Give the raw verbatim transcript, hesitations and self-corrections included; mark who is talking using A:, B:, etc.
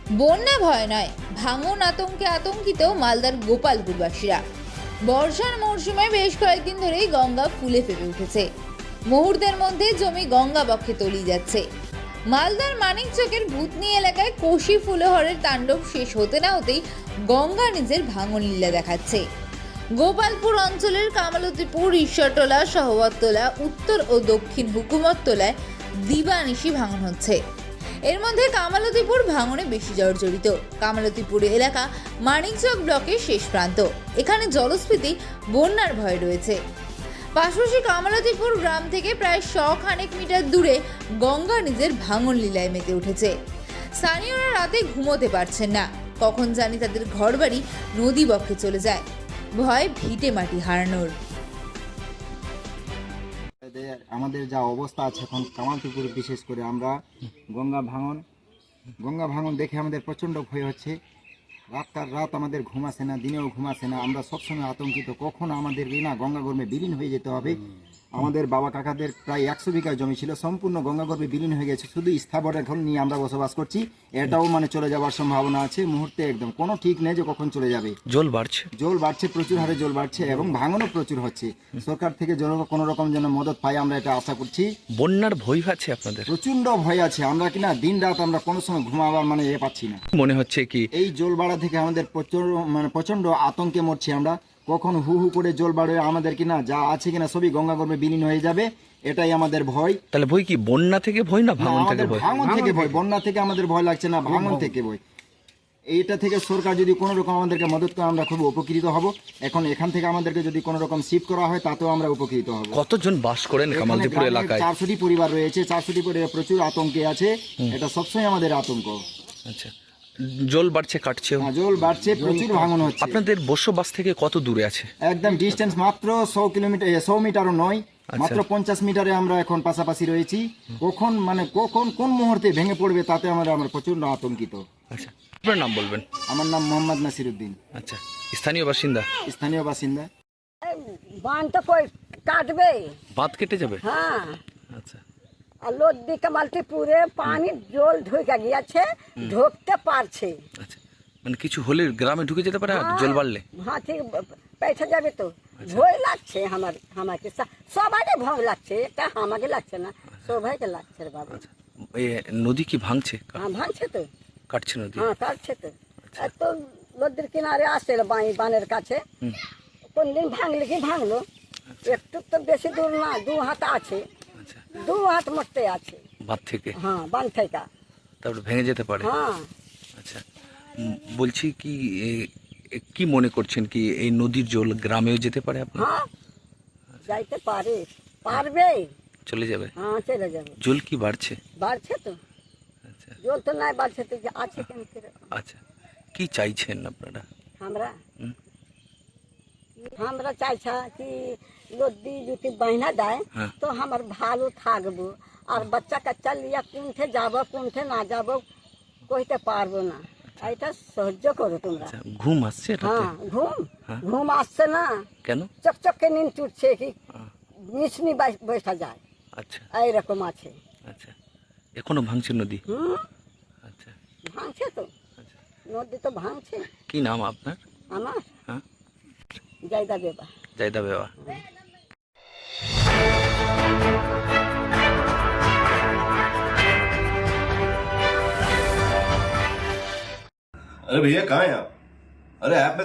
A: বন্যা ভয় নয়, ভাঙন আতঙ্কে আতঙ্কিত মালদার গোপালপুরবাসীরা। বর্ষার মরশুমে বেশ কয়েকদিন ধরেই গঙ্গা ফুলে ফেপে উঠেছে। মুহূর্তের মধ্যে জমি গঙ্গা বক্ষে তলিয়ে যাচ্ছে। মালদার মানিকচকের ভূতনি এলাকায় কোশি ফুলহরের তাণ্ডব শেষ হতে না হতেই গঙ্গা নিজের ভাঙন লীলা দেখাচ্ছে। গোপালপুর অঞ্চলের কামালতিপুর, ঈশ্বরতলা, সহবততলা, উত্তর ও দক্ষিণ হুকুমততলায় দিবানিশি ভাঙন হচ্ছে। এর মধ্যে কামালতিপুর ভাঙনে বেশি জর্জরিত। কামালতিপুর এলাকা মানিকচক ব্লকের শেষ প্রান্ত। এখানে জলস্ফীতি, বন্যার ভয় রয়েছে। পাশাপাশি কামালতিপুর গ্রাম থেকে প্রায় শ খানেক মিটার দূরে গঙ্গা নিজের ভাঙন লীলায় মেতে উঠেছে। স্থানীয়রা রাতে ঘুমোতে পারছেন না। কখন জানি তাদের ঘরবাড়ি নদী বক্ষে চলে যায়। ভয় ভিটে মাটি হারানোর।
B: আমাদের যা অবস্থা আছে এখন কামালপুর, বিশেষ করে আমরা গঙ্গা ভাঙন গঙ্গা ভাঙন দেখে আমাদের প্রচণ্ড ভয় হচ্ছে। রাতকার রাত আমাদের ঘুম আসে না, দিনেও ঘুম আসে না। আমরা সবসময় আতঙ্কিত, কখন আমাদের না গঙ্গাগর্ভে বিলীন হয়ে যেতে হবে। আমাদের বাবা কাকাদের প্রায় একশো বিঘা জমি ছিল, সম্পূর্ণ গঙ্গাগর্ভে বিলীন হয়ে গেছে। শুধু স্থাবর এখন নিয়ে আমরা বসবাস করছি। এটাও মানে চলে যাওয়ার সম্ভাবনা আছে মুহূর্তে, একদম কোনো ঠিক নেই যে কখন চলে যাবে।
C: জল বাড়ছে
B: জল বাড়ছে প্রচুর হারে জল বাড়ছে এবং ভাঙনও প্রচুর হচ্ছে। সরকার থেকে যেন কোনো রকম যেন মদত পাই, আমরা এটা আশা করছি।
C: বন্যার ভয় আছে আপনাদের?
B: প্রচন্ড ভয় আছে। আমরা কিনা দিন রাত আমরা কোনো সময় ঘুমাবার মানে এ পাচ্ছি না।
C: মনে হচ্ছে কি
B: এই জল বাড়া থেকে আমাদের প্রচুর মানে প্রচন্ড আতঙ্কে মরছি আমরা। কখন হু হু করে জল বাড়ে আমাদের কিনা যা আছে কিনা সবই গঙ্গাগর্ভে বিলীন হয়ে যাবে, এটাই আমাদের ভয়।
C: তাহলে ভয় কি বন্যা থেকে ভয় না ভাঙন থেকে ভয়?
B: ভাঙন থেকে ভয়, বন্যা থেকে আমাদের ভয় লাগছে না, ভাঙন থেকে ভয়। এইটা থেকে সরকার যদি কোনো রকম আমাদেরকে মদত করে আমরা খুব উপকৃত হব। এখন এখান থেকে আমাদেরকে যদি কোনো রকম শিফট করা হয় তাতেও আমরা উপকৃত হব।
C: কতজন বাস করেন কামালতিপুর এলাকায়?
B: চারশোটি পরিবার রয়েছে। চারশোটি পরিবার প্রচুর আতঙ্কে আছে। এটা সবসময় আমাদের আতঙ্ক।
C: আচ্ছা, জল বাড়ছে, কাটছে,
B: জল বাড়ছে, প্রচুর ভাঙন হচ্ছে।
C: আপনাদের বসবাস থেকে কত দূরে আছে?
B: একদম ডিস্টেন্স মাত্র শো কিলোমিটার, শো মিটারও নয়, মাত্র পঞ্চাশ মিটারে আমরা এখন পাশাপাশি রয়েছি। কখন মানে কখন কোন মুহূর্তে ভেঙে পড়বে তাতে আমরা আমরা প্রচন্ড আতঙ্কিত।
C: আচ্ছা, আপনার নাম বলবেন?
B: আমার নাম মোহাম্মদ নাসির উদ্দিন।
C: আচ্ছা, স্থানীয় বাসিন্দা?
B: স্থানীয় বাসিন্দা।
D: বাঁধ তো কই কাটবে,
C: বাঁধ কেটে যাবে?
D: হ্যাঁ।
C: আচ্ছা,
D: আর লোদি কামালতিপুরে পানি জল ঢুকে গিয়েছে, ঢুকতে পারছে।
C: আচ্ছা, মানে কিছু হলে গ্রামে ঢুকে যেতে পারে জল বাড়লে?
D: হ্যাঁ, ঠিক পেছে যাবে তো। ভয় লাগছে আমার, আমাকে সবাইকে ভয় লাগছে, এটা আমাকে লাগছে না, সবাইকে লাগছে রে বাবা।
C: এই নদী কি ভাঙছে?
D: হ্যাঁ, ভাঙছে তো,
C: কাটছে নদী?
D: হ্যাঁ কাটছে তো। এত নদীর কিনারে আসছে বানের কাছে, কোন দিন ভাঙলে কি ভাঙলো, একটু তো বেশি দূর না, দু হাত আছে, দু হাত মরতে আছে
C: বাঁধ থেকে।
D: হ্যাঁ, বাঁধ থেকে
C: তারপরে ভেঙে যেতে পারে।
D: হ্যাঁ।
C: আচ্ছা, বলছি কি কি মনে করছেন কি এই নদীর জল গ্রামেও যেতে পারে? আপনার
D: হ্যাঁ, যাইতে পারে, পারবে,
C: চলে যাবে?
D: হ্যাঁ, চলে যাবে।
C: জল কি বাড়ছে?
D: বাড়ছে তো।
C: আচ্ছা,
D: জল তো নাই বাড়ছে তো, আছে কেন?
C: আচ্ছা, কি চাইছেন আপনারা?
D: আমরা আমরা চাইছা কি নদী যদি বাহিনা দেয় তো আমার ভালো থাকবো। আর বাচ্চা কাচ্চা লিয়া কোনঠে যাবো কোনঠে না যাবো কইতে পারবো না। এটা সহ্য করো তোমরা।
C: ঘুম আসছে?
D: হ্যাঁ, ঘুম ঘুম আসছে না।
C: কেন?
D: চকচকে নিন চুটছে কি মিশনি বসা যায়।
C: আচ্ছা,
D: এইরকম আছে।
C: আচ্ছা, এখনো ভাঙছে নদী?
D: হুম,
C: আচ্ছা,
D: ভাঙছে তো, নদী তো ভাঙছে।
C: কি নাম আপনার?
D: আমার
C: হ্যাঁ,
D: জায়দা বেবা।
C: জায়দা বেবা।
E: अरे भैया कहाँ हैं आप? अरे ऐप में